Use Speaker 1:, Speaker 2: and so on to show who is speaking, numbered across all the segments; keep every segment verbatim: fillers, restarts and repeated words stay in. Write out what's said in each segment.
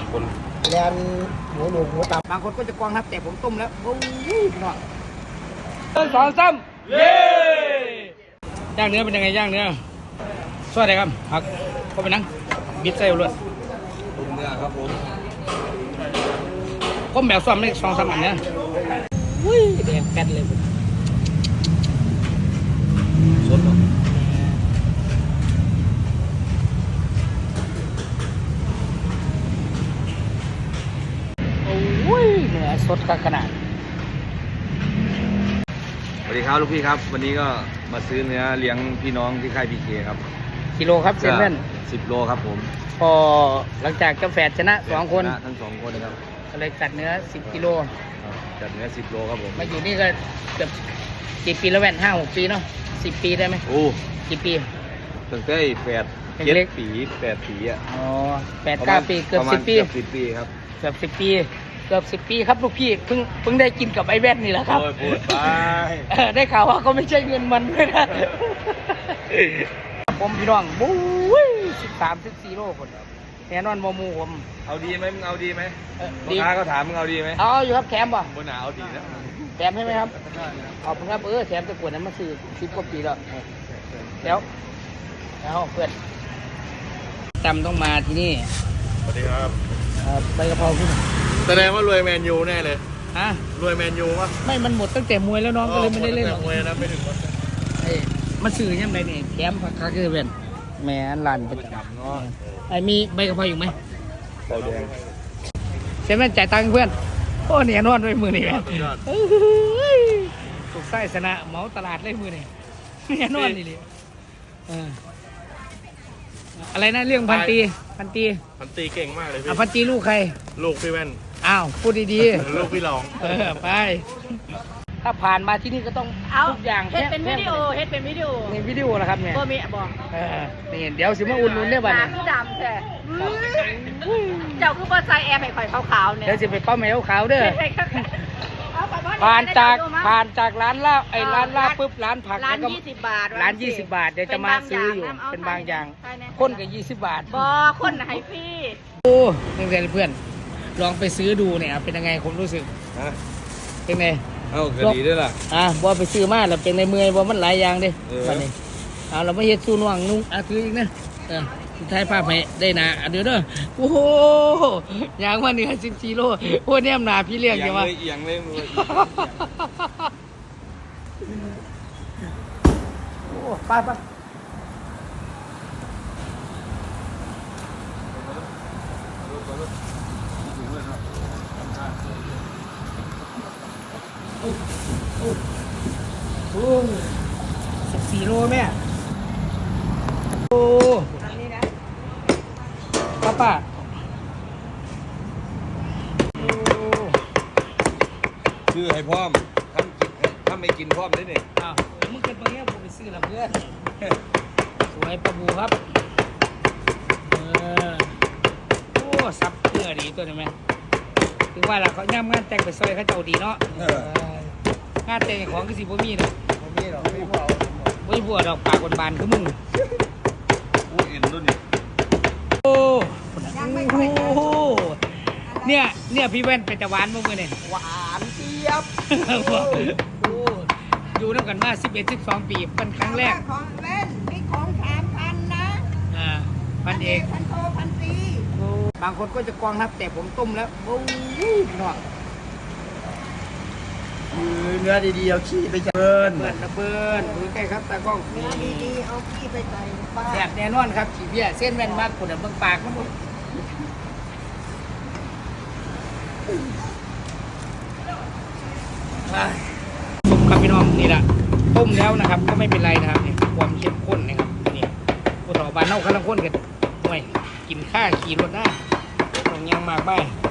Speaker 1: คนแลนหมูหนูหมูตับบางคนก็จะกวางครับแต่ผมต้มแล้วโอ้ยพี่น้องสองซ้ำเย้ย่างเนื้อเป็นยังไงย่างเนื้อสวัสดีครับผักก็ไปนั่งบิดไส้ล้วน
Speaker 2: เนื้อครับผม
Speaker 1: ผมแบบซ้อมได้สองสามอันเนี่ยวุ้ยแดงแป๊ดเลยสดเนาะโอ้ยเนื้อสดขนาด
Speaker 2: สวัสดีครับลูกพี่ครับวันนี้ก็มาซื้อเนื้อเลี้ยงพี่น้องที่ค่ายพีเคครับ
Speaker 1: กิโลครับเซนเว่น
Speaker 2: สิบโลครับผม
Speaker 1: พอหลังจากเจ้าแฝดชนะสองคน
Speaker 2: ชนะทั้งสองคนนะครับ
Speaker 1: ก็เลยจัดเนื้อสิบกิโล
Speaker 2: จัดเนื้อสิบโลครับผม
Speaker 1: มาอยู่นี่ก็เกือบกี่ปีแล้วแว่นห้าหกปีเนาะสิบปีได้ไหม
Speaker 2: โอ้
Speaker 1: กี่ปี
Speaker 2: ตั้งแต่แฝดเจ็ดปีแปดปีอ่ะ
Speaker 1: อ๋อแปดเก้าปีเกือบสิบปี
Speaker 2: เกือบสิบปีครับ
Speaker 1: เกือบสิบปีเกือบสิบปีครับลูกพี่เพิ่งเพิ่งได้กินกับไอ้แว่นนี่แหละครับ
Speaker 2: โอ้ยพูดไป
Speaker 1: ได้ข่าวว่าก็ไม่ใช่เงินมันด้วยนะผมพี่น้องบู๊ยสิบสามสิบสี่โลคนแน่นอนโมมูผม
Speaker 2: เอาดีไหมมึงเอาดีไหมลูกค้าเขาถามมึงเอาดีไหม
Speaker 1: เอาอยู่ครับแถมป่ะ
Speaker 2: บนหนาเอาดีนะ
Speaker 1: แถมใช่ไหมครับขอบคุณครับเออแถมตะกวดนั้นมาซื้อสิบกว่าปีแล้วแล้วแล้วเพื่อนจำต้องมาที่นี่
Speaker 2: สวัสดีครับ
Speaker 1: ใบกะเพราพี่
Speaker 2: แสดงว่ารวยแมนยูแน่เลย
Speaker 1: ฮะ
Speaker 2: รวยแมนยูวะ
Speaker 1: ไม่มันหมดตั้งแต่มวยแล้วน้องก็เลยไม่ได้เล่นหรอก
Speaker 2: มวยนะไม่ถึงวัน
Speaker 1: ไอ้มาซื้อยังไงเนี่ยแถมผักคาคือเป็นแม่ร้านประจำเนาะไอ้มีใบกะเพราอยู่ไหม
Speaker 2: เบาแดง
Speaker 1: เซเว่นจ่ายตังค์เพื่อนโอ้เนี่ยนอนด้วยมือนี่แม่สุกไส้ชนะเหมาตลาดเลยมือนี่เนี่ยนอนนี่เลยอะไรนะเรื่องพันตีพันตี
Speaker 2: พันตีเก่งมากเลยพี่
Speaker 1: พันตีลูกใคร
Speaker 2: ลูกพี่แว่น
Speaker 1: อ้าวพูดดี
Speaker 2: ๆลูกพี่หลอง
Speaker 1: เออไปถ้าผ่านมาที่นี่ก็ต้องทุกอย่าง
Speaker 3: เฮ็ดเป็นวิดีโอเฮ็ดเป็นวิดีโอ
Speaker 1: ในวิดีโอนะครับเนี่ย
Speaker 3: บ่มีบอก
Speaker 1: เออนี่เดี๋ยวสิมาอุ่นนุ่นได้บ้าง
Speaker 3: คือดำแท้เจ้าคือบ่ใส่แอร์ให้ข่อยขาวๆเนี่ย
Speaker 1: เดี๋ยวสิไปเป้าแมวขาวเด้อผ่านจากผ่านจากร้านลาบไอ้ร้านลาบปุ๊บร้านผัก
Speaker 3: ร้านยี่สิบบาท
Speaker 1: ร้านยี่สิบบาทเดี๋ยวจะมาซื้ออยู่เป็นบางอย่างคนกับยี่สิบบาท
Speaker 3: บ่คนให้พี่
Speaker 1: โอ้เพื่อนเพื่อนลองไปซื้อดูเนี่ยเป็นยังไงผมรู้สึกเป็นไง
Speaker 2: เอ้าก็ดีด้วยล่ะ
Speaker 1: อ่ะบ่ไปซื้อมาแล้วเป็นในเมืองบ่มันหลายอย่างดิวันนี้เอาเราไม่เฮ็ดสู้น่วงนุ่งอ่ะคืออีกนะเออสุดท้ายภาพให้ได้นะเดี๋ยวเด้อโอ้โหอย่างว่าเหนือสิบสี่โลโอ้เนี่ยมนาพี่เลี้ยงใช่ไหม
Speaker 2: เอียงเลยมือ
Speaker 1: โอ้ไปไปโอ้สิบสี่โลแม่โอ้ป้าป้า
Speaker 2: ซื้อให้พร้อมทำทำไม่กินพร้อมได้เนี่ย
Speaker 1: อ้าวมึงเกิดมาเนี้ยผมไปซื้อละเพื่อนสวยปลาบูครับเออโอ้ซับเนื้อดีตัวนี้ไหมถึงว่าล่ะเขาย่ำงานแต่งไปซอยเขาเจ้าดีเนาะงานแต่งของก็สิบ่มีเนาะ
Speaker 2: บ่มีหรอกไม่บัว
Speaker 1: ไม่บัวดอกปากบานคือมึง
Speaker 2: อู้อินรุ่นนี่
Speaker 1: โอ้โหเนี่ยเนี่ยพี่แว่นเป็นตะหวานมั้งเมื่อเนี่ย
Speaker 3: หวานเจี๊ยบ
Speaker 1: โอ้อยู่ด้วยกันมาสิบเอ็ดสิบสองปีเป็นครั้งแรก
Speaker 3: ของเล่นนี่ของสามพันนะ
Speaker 1: อ่าพันเอก
Speaker 3: พันโทพันตี
Speaker 1: บางคนก็จะกวางครับแต่ผมต้มแล้วโอ้ยหน่อย
Speaker 2: เนื้อดีๆเอาขี้ไปเบิร์น
Speaker 1: เบิร์นระเบิร์นดูใกล้ครับตากล้อง
Speaker 3: เนื้อดีๆเอาขี้ไปใส่ปลา
Speaker 1: แซ่บแน่นอนครับขี้เบี้ยเส้นแว่นมากคนเบิ่งปากครับผมต้มครับพี่น้องนี่แหละต้มแล้วนะครับก็ไม่เป็นไรนะครับนี่ความเข้มข้นนะครับนี่ผู้ถอบานเน่าข้างข้นกันห่วยกินข้าขี่รถได้ตรงยังมากไป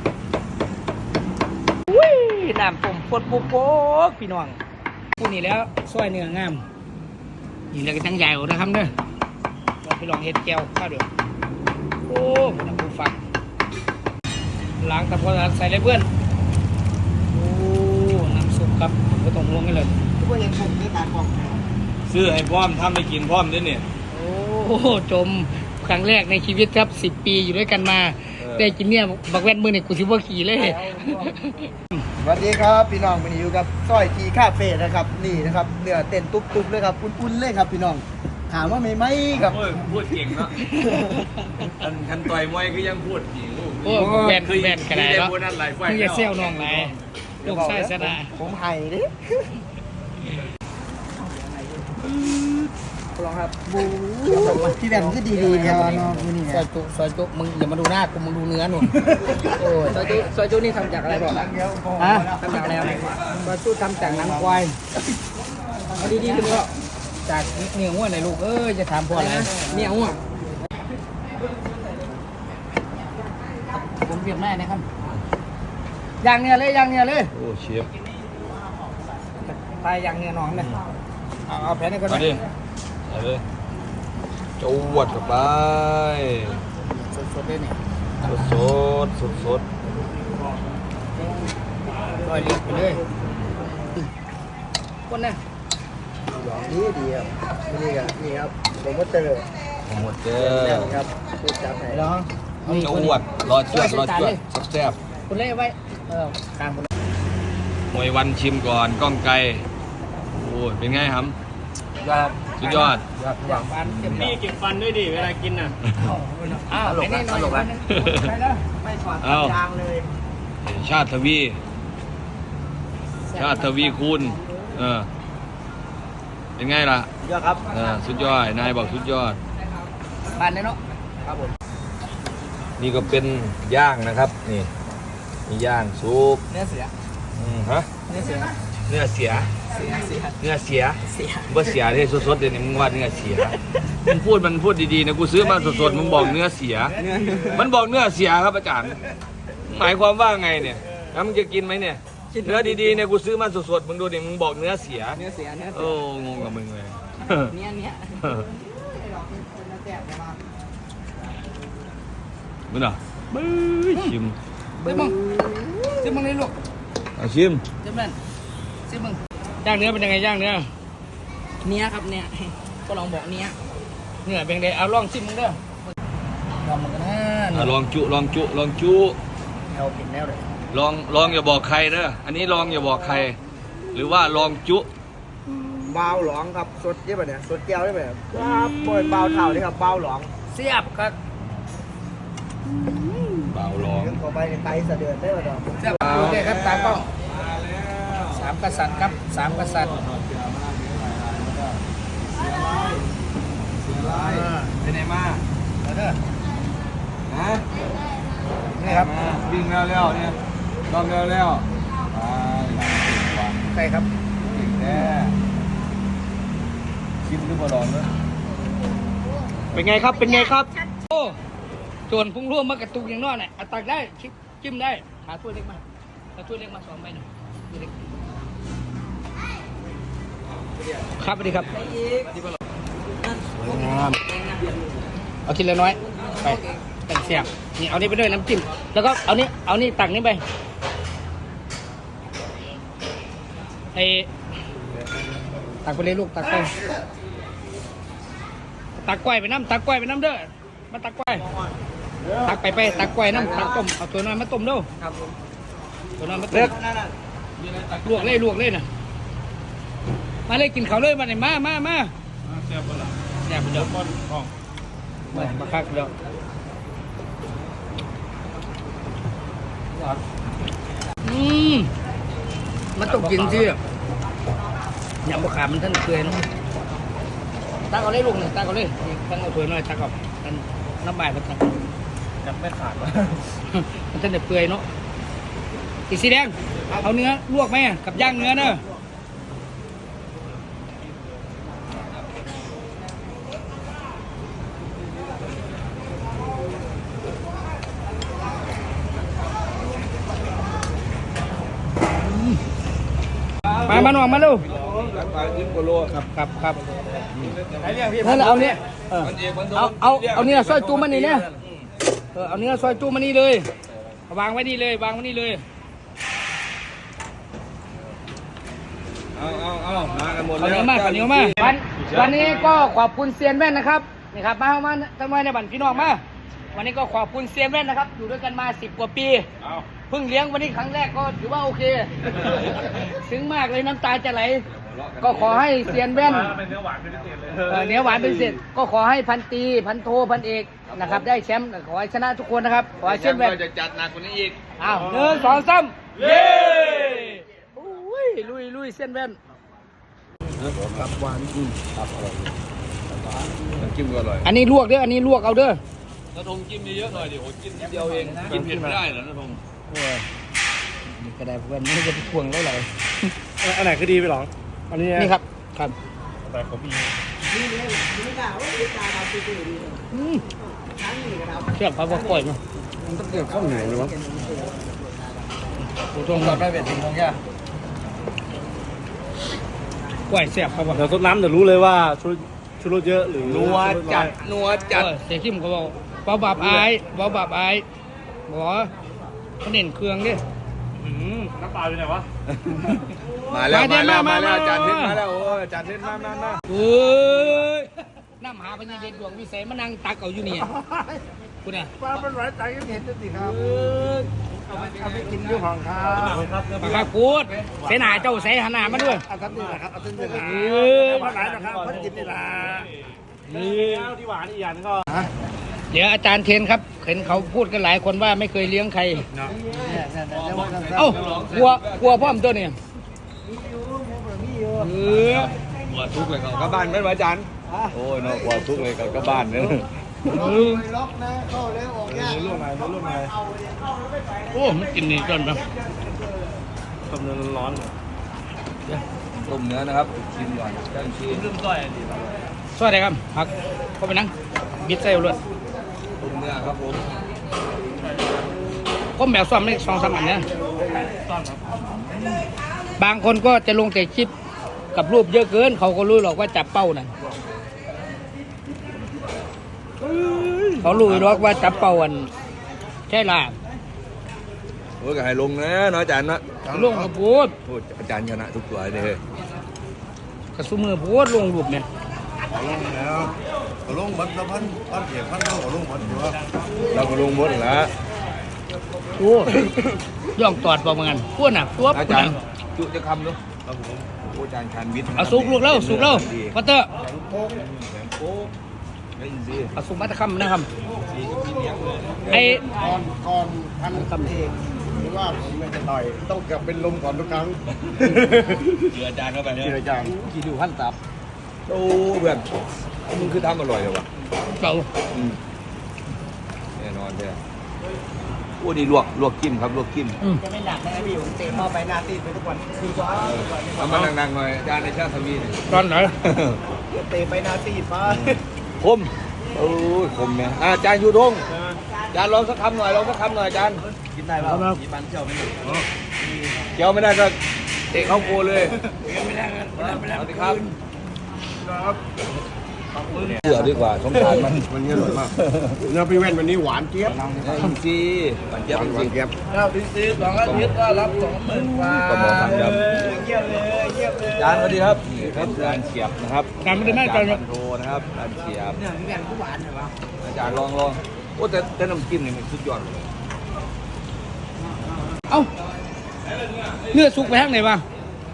Speaker 1: อุ้ยน้ำต้มปวดปุ๊บปุ๊บพี่น้องพูดนี่แล้วซอยเนื้องามนี่เลยก็ตั้งใหญ่นะครับเด้อลองไปลองเห็ดแก้วข้าวเดือดโอ้คุณผู้ฟังล้างตะโพนใส่เลยเพื่อนโอ้น้ำซุปครับก็ต้องลงกันเลย
Speaker 3: ทุกคนยังคงไม่ตาฟอง
Speaker 2: ซื้อให้พร้อมทำไม่กินพร้อมด้วยเนี่ย
Speaker 1: โอ้จมครั้งแรกในชีวิตครับสิบปีอยู่ด้วยกันมาได้กินเนี่ยบักแว่นมือนี่กูสิบ่ขี่เลย
Speaker 4: สวัสดีครับพี่น้องวันนี้อยู่กับซอยทีคาเฟ่นะครับนี่นะครับเนื้อเต้นตุ๊บๆเลยครับอุ่นๆเลยครับพี่น้องถามว่าไม่ไหมครับ
Speaker 2: โอ้ยพูดเก่งเนาะอันคันต่อยมวยก็ยังพูดอีก
Speaker 1: โอ้แว่นแว่นกระไดเนาะ
Speaker 2: พูดนั่นหลายไฟ
Speaker 1: มึงอย่าเซี่ยวน้องไหลลูกไส้ซะนะ
Speaker 4: ผมไห้ดิลองครับบูพี่แบมก็ดีๆครับน้องมือนี่
Speaker 1: ซอยจุซอยจุมึงอย่ามาดูหน้ากูมึงดูเนื้อหนุ่มโอ้ซอยจุซอยจุนี่ทำจากอะไรบอกฮะทำจากอะไรซอยจุทำจากหนังควายเอาดีๆคุณพ่อจากเนื้อหัวไหนลูกเอ้ยจะถามพ่ออะไรเนื้อหัวผมเรียกแม่นะครับย่างเนื้อเลยย่างเนื้อเลย
Speaker 2: โอ้เชฟ
Speaker 1: ตายย่างเนื้อน้องเลยเอาเอาแผ่นนี้ก่อน
Speaker 2: มาดิเอาเลยจวดเข้าไป
Speaker 1: สดๆเลยนี่
Speaker 2: สดสดสดสด
Speaker 1: ลอยเลียบไปเลยคนน่ะ
Speaker 4: ดีดีครับนี่ครับนี่ครับผมก็เจอ
Speaker 2: หมดเด้อ
Speaker 4: ครับพูดจับไหน
Speaker 1: ลอง
Speaker 2: จวดรอจวดรอจวดแซ่บ
Speaker 1: คุณเล่ไว้ เออกลางคุณ
Speaker 2: ๆมวยวันชิมก่อนก้องไกลโอ้ยเป็นไงครับ
Speaker 1: ยอด
Speaker 2: สุดยอด
Speaker 1: ยอดยอดฟันเก็บ
Speaker 5: นี่เก็บฟันด้วยดิ เวลากินน่ะ
Speaker 1: อ้าวไอ้นี่หน่อยไปแล้ว
Speaker 4: ไม่ถอด
Speaker 2: เอ้า
Speaker 4: ยางเลย
Speaker 2: ชาติทวี ชาติทวีคูณเออเป็นไงล่ะ
Speaker 4: ยอดครับ
Speaker 2: เออสุดยอดนายบอกสุดยอด
Speaker 1: บานเลยเนาะ
Speaker 4: ครับผม
Speaker 2: นี่ก็เป็นย่างนะครับนี่มีย่างซุป
Speaker 1: เนื้อเสือ
Speaker 2: อืมฮะ
Speaker 1: เนื้อเสือ
Speaker 2: เนื้อเสีย
Speaker 1: เสือเสือ
Speaker 2: เนื้อเสีย
Speaker 1: เสือ
Speaker 2: บ่เสียที่สดๆเดี๋ยวนี้มึงว่าเนื้อเสียมึงพูดมันพูดดีๆนะกูซื้อมาสดๆมึงบอกเนื้อเสีย มันบอกเนื้อเสียครับอาจารย์หมายความว่าไงเนี่ยแล้วมึงจะกินไหมเนี่ยเนื้อดีๆเนี่ยกูซื้อมาสดๆมึงดูดิมึงบอกเนื้อเสีย
Speaker 1: เนื้อเสือเนื้อเสื
Speaker 2: โอ้
Speaker 1: อง
Speaker 2: งกับมึงเลย
Speaker 1: เนี้ยเนี้ย
Speaker 2: มึงเหรอบื้อชิม
Speaker 1: เฮ้ยมึงซิมึงเลยลูก
Speaker 2: เอาชิม
Speaker 1: ซิมึงซิมึงย่างเนื้อเป็นยังไงย่างเนื้อเนี้ยครับเนี้ยก็ลองบอกเนี้ยเนื้อเป็นไงเอาลองซิมึงเด้อลองมันกันนะ
Speaker 2: อ่ะลองจุลองจุลองจุ
Speaker 1: แนวกินแนวเลย
Speaker 2: ลองลองอย่าบอกใครเด้ออันนี้ลองอย่าบอกใคร หรือว่าลองจุ
Speaker 4: เบาหลองครับสดเยอะไปเนี่ยสดแก้วได้ไหมครับครับบอยเบาเท่านี่ครับเบาหลอง
Speaker 1: เสียบครับ
Speaker 2: เบาลอง
Speaker 4: เรื่องต่อไปในไตสะเดือนได้ป่ะดอก
Speaker 1: เสียบโอเคครับตากล้องสามกษัตริย์ครับสามกษัตริย์
Speaker 2: เป็นไงมา
Speaker 1: เอาเด้อ
Speaker 2: ฮะ
Speaker 1: นี่ครับ
Speaker 2: มาวิ่งแล้วแล้วเนี่ยลองแล้วแล้วไปหลัง
Speaker 1: ใครครับ
Speaker 2: เก่งแน่ชิมหรือเปล่าลองเนอะ
Speaker 1: เป็นไงครับ เป็นไงครับ โอ้ส่วนพุ่งร่วมมากระตุกอย่างน้อยเนี่ยเอาตักได้ชิมจิ้มได้ หาถ้วยเล็กมาเอาถ้วยเล็กมาสองใบหน่อยถ้วยเล็กครับสวัสดีครับสวยงามเอาทีละน้อย ไปแต่งเสียบนี่เอานี่ไปด้วยน้ำจิ้ม แล้วก็เอานี่เอานี่ตักนี่ไปไอตักไปเลยลูกตักไป ตักกล้วยไปน้ำตักกล้วยไปน้ำเด้อมาตักกล้วยตักไปไปตักกล้วยน้ำตักต้มเอาตัวน้อยมาต้มเด้อครับตัวน้อยมาต้มลวกเลยลวกเลยนะมาเลยกินเขาวเลยมาเนี่ยมามามาแซ่บปะล่ะแซ่บเด้อมามาคักเด้ออืมมันต้องกินสิยำบะขามมันท่านเคยเนาะ ตักเอาเลยลุงเนี่ยตักเอาเลยตักเอาถ้วยหน่อยตักเอาท่านน้ำใบมันตัก
Speaker 5: จับไม่ขาดวะ
Speaker 1: มันท่านจะเปื่อยเนาะอีสีแดงเอาเนื้อลวกไหมกับย่างเนื้อเนอะมามาหน่อยมาลูก
Speaker 2: ไปขึ้นโกโล
Speaker 1: ครับครับครับ
Speaker 2: ไหนเรียกพี่
Speaker 1: นั่นเอาเนี่ยเออ
Speaker 2: มันเอกมันโดน
Speaker 1: เอาเอาเอาเนื้อซอยจูมันนี่เนี่ยเออเอาเนื้อซอยจูมันนี่เลยเอาวางไว้นี่เลยวางไว้นี่เลย
Speaker 2: เอาเอาเอามากันหมด
Speaker 1: ข้าวเห
Speaker 2: แล้
Speaker 1: นียว
Speaker 2: ว
Speaker 1: มากข้าวเหนียวมากวันวันนี้ก็ขอบคุณเซียนแว่นนะครับนี่ครับมาเอามาทำไมในบัตรพี่น้องมาวันนี้ก็ขอบคุณเซียนแว่นนะครับ อยู่ด้วยกันมาสิบกว่าปี
Speaker 2: เอา
Speaker 1: เพิ่งเลี้ยงวันนี้ครั้งแรกก็ถือว่าโอเค ซึ้งมากเลยน้ำตาจะไหล ก็ขอให้เซียนแว่น
Speaker 5: เป็นเนื้อหวานเป็นพิเศษเลย
Speaker 1: เอ่อเนื้อหวานเป็นพิเศษก็ขอให้พันตรีพันโทพันเอกนะครับ ได้แชมป์ขอให้ชนะทุกคนนะครับ ขอให้เซียนแว่น
Speaker 2: ก็จะจัดหนักกว่านี้อีก
Speaker 1: อ้าวหนึ่งสองสามเย้โอ้ยลุยลุยเซียนแว่น
Speaker 4: ครับหวานอืมครับอร่อย
Speaker 2: น้ำจิ้มก็อร่อย
Speaker 1: อันนี้ลวกเด้ออันนี้ลวกเอาเด้อ
Speaker 2: น้าทงจิ้มเยอะๆหน่อยดิโอ้จิ้มนิดเดียวเองกินเผ็ดไม่ได้เหรอน้าทง
Speaker 1: โอ้ยนี่ก็ได้เพื่อนนี่จะไปควงได้เลย
Speaker 5: อันไหนคือดีไปหรออันนี้
Speaker 1: นี่ครับครับ
Speaker 5: แต่ผมมี
Speaker 1: อืมเชือกพาบอกก่อยมา
Speaker 4: มันต้องเกิดข้าวเหนียวหรือวะ
Speaker 1: โอ้ตรง
Speaker 4: เราได้เป็นทิ้งของแก
Speaker 1: ก่อยแซ่บครับว่า
Speaker 5: เดี๋ยวต้นน้ำเดี๋ยวรู้เลยว่าชุดชุดรสเยอะหรือ
Speaker 2: นัวจัดนัวจัด
Speaker 1: เสียขิมเขาบอกเบาบาปอายเบาบาปอายบอกว่าเขาเน้นเครื่องดิ
Speaker 5: อืมน้ำปลาอยู่ไหนวะ
Speaker 2: มาแล้ว
Speaker 1: มา
Speaker 2: มาแล้ว
Speaker 1: มา
Speaker 2: มาแล้ว
Speaker 1: มา
Speaker 2: อาจารย์เทนมาแล้วโอ้ยอาจารย์เทนมามามา
Speaker 1: เอ้ยน้ำหาพญาเดชดวงวิเศษมานั่งตักเอาอยู่นี่คุณอ่ะ
Speaker 4: ปลาเป็นไรใจก็เห็นสิครับ
Speaker 1: เออ
Speaker 4: เอาไปเอาไปกินด้วยของครับ
Speaker 1: ปากกากูดเสนาเจ้าใส่หนามาด้วย
Speaker 4: เอาทันทีนะครับเอาทันทีนะ
Speaker 1: เออ
Speaker 4: เพราะไหนนะครับเพราะกินนี่ละ
Speaker 5: นี่ที่หวานอีกอย่างก็
Speaker 1: เดี๋ยวอาจารย์เทนครับเห็นเขาพูดกันหลายคนว่าไม่เคยเลี้ยงใคร
Speaker 4: เนี่ยเนี่ยเนี่ยเรียกว่าสั้นๆ
Speaker 1: เอ้ากลัวกลัวพ่อมตัวเนี่ยเออ
Speaker 2: หัวทุกเลยก็กลับบ้านไหมวะอาจารย์โอ้ยเนาะหัวทุกเลยก็กลับบ้านเนอะ
Speaker 1: เออ
Speaker 4: ล็อกนะเข้าแล้วออกยาก
Speaker 5: ร่วมไงร่วมไง
Speaker 1: โอ้มันกินนี่ก่อนปะ
Speaker 5: ต้มเนื้อร้อน
Speaker 2: ต้มเนื้อนะครับชิมก่อนจ้างชิม
Speaker 1: สวัสดีครับผักเข้าไปนั่งบิดใส่เอาเลย
Speaker 2: ต้มเนื้อครับผม
Speaker 1: ก้มแบบซ้อมไม่สองสามอันเนี่ยบางคนก็จะลงแต่คลิปกับรูปเยอะเกิน เขาก็รู้หรอกว่าจับเป้าน่ะเขารู้หรอกว่าจับเป้าอันใช่ล่ะ
Speaker 2: โอ้ยก็ให้ลงนะเนาะอาจารย์นะ
Speaker 1: ลงกระพูด
Speaker 2: โอ้ยอาจารย์ชนะทุกตัวเลย
Speaker 1: กระสุมือพูดลงรูปเนี่ย
Speaker 6: ลงแล้วก็ลงบัดละพันพันเขียนพันเท่าก็ลงบัดอยู่ว่า
Speaker 2: เราก็ลงหมดแล้ว
Speaker 1: โอ้ย่องตอดประมาณพวกน่ะตัว
Speaker 2: อา
Speaker 1: พวก
Speaker 2: จาร
Speaker 1: น่ะ
Speaker 2: ย์จุจะคำเนาะครับผมโอ้อาจารย์ชานวิทย์
Speaker 1: เอาสุกลูกแล้วสุกแล้วพัตเตอร์
Speaker 2: โอ้ได้ยินสิ
Speaker 1: เอาสุกมาตะคำนะครับไอ้
Speaker 6: ก่อนก่อนพันคำเองหรือว่าผมไม่จะต่อยต้องกลับเป็นลมก่อนทุกครั้ง
Speaker 2: เชื่ออาจารย์เข้าไปเนี่ย
Speaker 6: ที่อาจารย์
Speaker 1: กี่ดูขั้นตับ
Speaker 2: โอ้เพื่อนมึงคือทำอร่อยเลยวะ
Speaker 1: เก่า
Speaker 2: อืมแน่นอนเลยโอ้นี่ลวกลวกจิ้มครับลวกจิ้ม
Speaker 1: อืม
Speaker 4: จะไม่หนักนะพี่ผมเตะเข้าไปหน้าตีนไปทุกวันคือว่า
Speaker 2: เอามานั่งๆหน่อยอาจารย์ในชาติทวีนี่
Speaker 1: ตอนไหน
Speaker 4: เตะไปหน้าตีนป้า
Speaker 2: คมโอ้ยคมเนี่ยอ่ะอาจารย์ยูทงอาจารย์ลองสักคำหน่อยลองสักคำหน่อยอาจารย์
Speaker 4: กินได้ป่ะมีปันเจ้าไม่ได้
Speaker 2: เกี่ยวไม่ได้ก็เตะเข้าโกเลยไม่ได้ไม่ได้ไม่ได้ครับเสือดีกว่าสงสารมัน
Speaker 6: วันนี้อร่อยมากเนื้อพี่แว่นวันนี้หวานเจี๊ยบ
Speaker 2: จริงสิมันเจ็บ
Speaker 6: หวาน
Speaker 2: จ
Speaker 6: หวา
Speaker 2: ริ
Speaker 6: น
Speaker 2: ง
Speaker 6: เจี๊ยบ
Speaker 4: เราดิซีสองอาทิตย์ก็รับสองหมื่นกว่า
Speaker 2: ก็บอกทำครับ
Speaker 4: เยี่ยมเลยเยี่ยมเลย
Speaker 2: อาจารย์สวัสดีครับนี่ครับอาจารย์เฉียบนะครับ
Speaker 1: การไม่ได้แม่
Speaker 2: อา
Speaker 1: ใจ
Speaker 2: จารย์
Speaker 1: เนี่
Speaker 2: พั
Speaker 1: ย
Speaker 2: นโทนะครับอาจารย์เฉียบ
Speaker 4: เนี่ยพี่แว่นก็หวานเหรอวะ
Speaker 2: อาจารย์ลองลองโอ้แต่แต่น้ำจิ้มนี่มันสุดยอดเลย
Speaker 1: เอ้าเนื้อสุกไปทางไหนบ้าง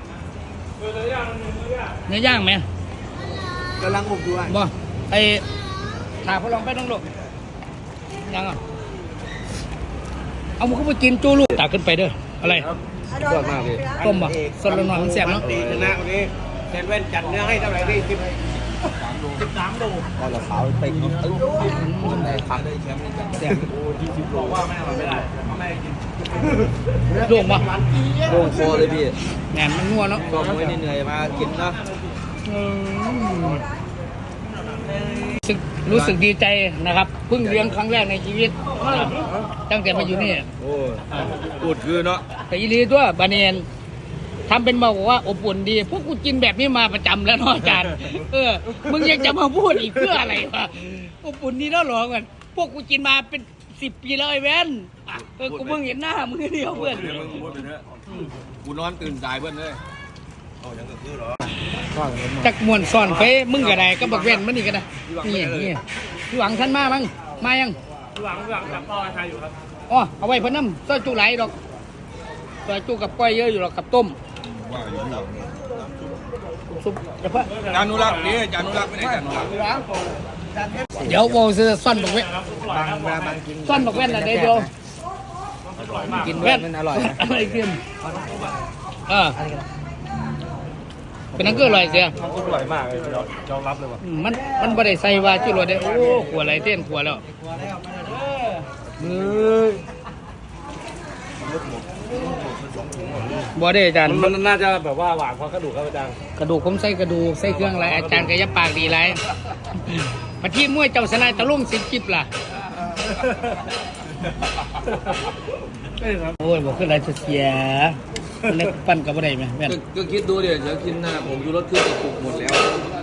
Speaker 1: เนื้อย่างไหม
Speaker 4: กำลังอบอยู่อ่ะ
Speaker 1: บ่ไอ้ถาพอลองไปน้องลูกยังอ่ะเอามึงก็ไปกินจูลูกตักขึ้นไปเด้ออะไร
Speaker 2: สุดยอดมากเลย
Speaker 1: ต้มบ่สดละหน่อยมันแซ่บเนาะ
Speaker 6: ตีชนะวันนี้เซนเว่นจัดเนื้อให้เท่าไหร่พี่สิบสิบสามโล
Speaker 2: พอเราขาวเต็งเนาะเอ้ยได้ขาได้แชมป์นี่จัง
Speaker 1: แซ่บ
Speaker 2: โอ้ที่สิบโลว่าไม่ไม่ได้ไม่กิน
Speaker 1: โล่งบ่
Speaker 2: โล่งคอเลยพี่
Speaker 1: แหนมมันงัวเนาะ
Speaker 2: ก็มวยเหนื่อยมากินนะ
Speaker 1: อืมรู้สึกรู้สึกดีใจนะครับเพิ่งเลี้ยงครั้งแรกในชีวิตนะครับตั้งแต่มาอยู่นี่
Speaker 2: โอ้พูดคือเนาะ
Speaker 1: แต่ยีรีตัวบาเนียนทำเป็นมาบอกว่าอบอุ่นดี พวกกูกินแบบนี้มาประจำแล้วเนาะอาจารย์ เออ มึงยังจะมาพูดอีกเพื่ออะไรวะอบอุ่นดีแล้วหรอกันพวกกูกินมาเป็นสิบปีแล้วไอ้แว่นอ่ะเออ กูเพิ่งเห็นหน้ามึงเดียวเพื่อน
Speaker 2: เดี๋ยวมึงพูดไปเถอะกูนอนตื่นสายเพื่อนเลย
Speaker 1: จักมวนซ่อนเฟ้มึงก็ได้ก็บักแว่นมันนี่ก็ได้นี่นี่พี่หวังท่านมามั้งมายัง
Speaker 5: หลังหลังจากพ่อใครอยู่ครับ
Speaker 1: อ๋อเอาไว้เพิ่นน้ำซอยจุไหลดอกซอยจุกับก้อยเยอะอยู่หรอกกับต้มซุปเดี๋ยวเพิ่น
Speaker 2: จานุรักษ์นี่จานุรักษ์ไม่ได้จานุรักษ์
Speaker 1: เดี๋ยวโบซื้อซ่อนบักเว้น
Speaker 4: บางเวลาบางกิน
Speaker 1: ซ่อนบักเว้นอะไรเดียว
Speaker 4: กินด้วยมันอร่อยนะ
Speaker 1: อะไรเกินเออเป็นนั่นก็อร่อยเสีย
Speaker 5: มันอร่อยมากเลยยอมรับเลยว่ะ
Speaker 1: อืมมันมันบ่ได้ใส่ว่าจุรสได้โอ้ขัวอะไรเต้นขัวแล้วบ่ได้อาจารย์
Speaker 5: มันน่าจะแบบว่าหวานเพราะกระดูกครับอาจารย์
Speaker 1: กระดูกผมใส่กระดูกใส่เครื่องอะไรอาจารย์ก็อยับปากดีไรมาที่มวยเจ้าสนายตะลุ่งสิบจิบล่ะโอ้ยบอกขึ้นอะไรเสียเล็กปั้นกับอะไรไหมแม่น
Speaker 2: ก็คิดดูเดี๋ยวจะกินหน้าผมยูรถขึ้นกระปุกหมดแล้ว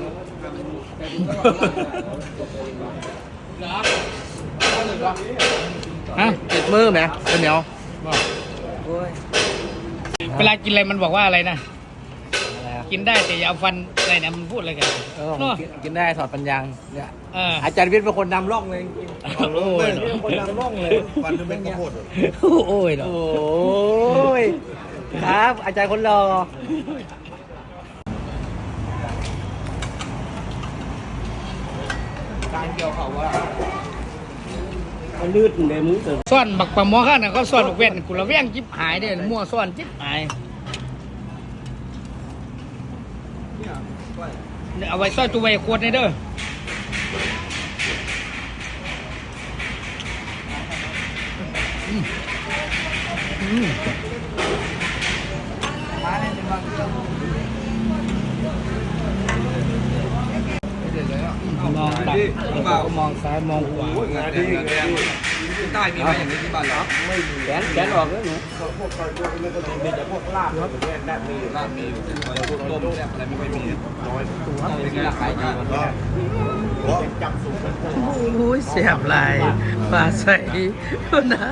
Speaker 1: ฮะ
Speaker 4: ติดมือไหมเป็นเหนียว
Speaker 1: เวลากินอะไรมันบอกว่าอะไรนะกินได้แต่อย่าเอาฟันอะไรนะมันพูดอะไรกันเนาะ
Speaker 4: กินได้ถอดปัญญางเนี่ย
Speaker 1: เออ
Speaker 4: อาจารย์วิทย์เป็นคนนำร่องเลย
Speaker 1: โอ้ย
Speaker 4: คนนำร่องเลย
Speaker 6: ฟันเป็นข้าวโพด
Speaker 1: โอ้ยเนาะ
Speaker 4: โอ้ยครับ อาจารย์คนรอการเกี่ยวเขาว่ามันลื่นเลยมึงเติม
Speaker 1: ซ่อนบักปะหมอข้างน่ะเขาซ่อนบักเว้นกูละแว่งจิ๊บหายเด้อมั่วซ่อนจิ๊บหายเนี่ยเอาไว้ซ่อนตัวไว้ขวดนี่เด้ออืมอืม
Speaker 4: มาเนี่ยเป็นบางเรื่อง
Speaker 1: มองดักแล้วก็มองซ้ายมองขวา
Speaker 2: งานดีงานดีใต้มีไหมอย่างนี้ที่บ้านเรา
Speaker 4: แขนแขนออกแล้วหนู
Speaker 6: พวกคอยพวกนี้ก็จะมีแต่พวกลาบแบบนี้ได้มี
Speaker 2: ลาบมีแต่พวกต้มแซ่บอะไรไม่ค่อยมี
Speaker 6: น้อย
Speaker 2: เป็นไงขายดี
Speaker 6: ก็จับสูง
Speaker 1: โอ้ยเสียบลายปลาใส่นะ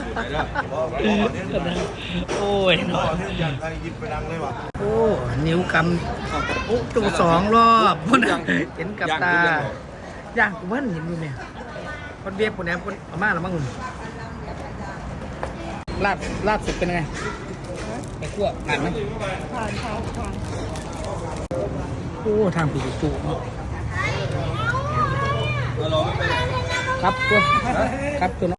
Speaker 1: โอ้ยเนาะ
Speaker 6: เนี่ยอยากใครยิบไปดังเลยว่ะ
Speaker 1: โอ้นิ้วกำโอ้ตัวสองรอบพุ่นน่ะเห็นกับตาย่างกูเพิ่นเห็นอยู่เนี่ยคนเบียบคนแหนมคนเอามาแล้วมั้งคุณลาบลาบสุดเป็นไงไปคั่วผ่านไหมผ่านผ่านผ่านโอ้ทางผีจุเนาะครับตัวครับตัว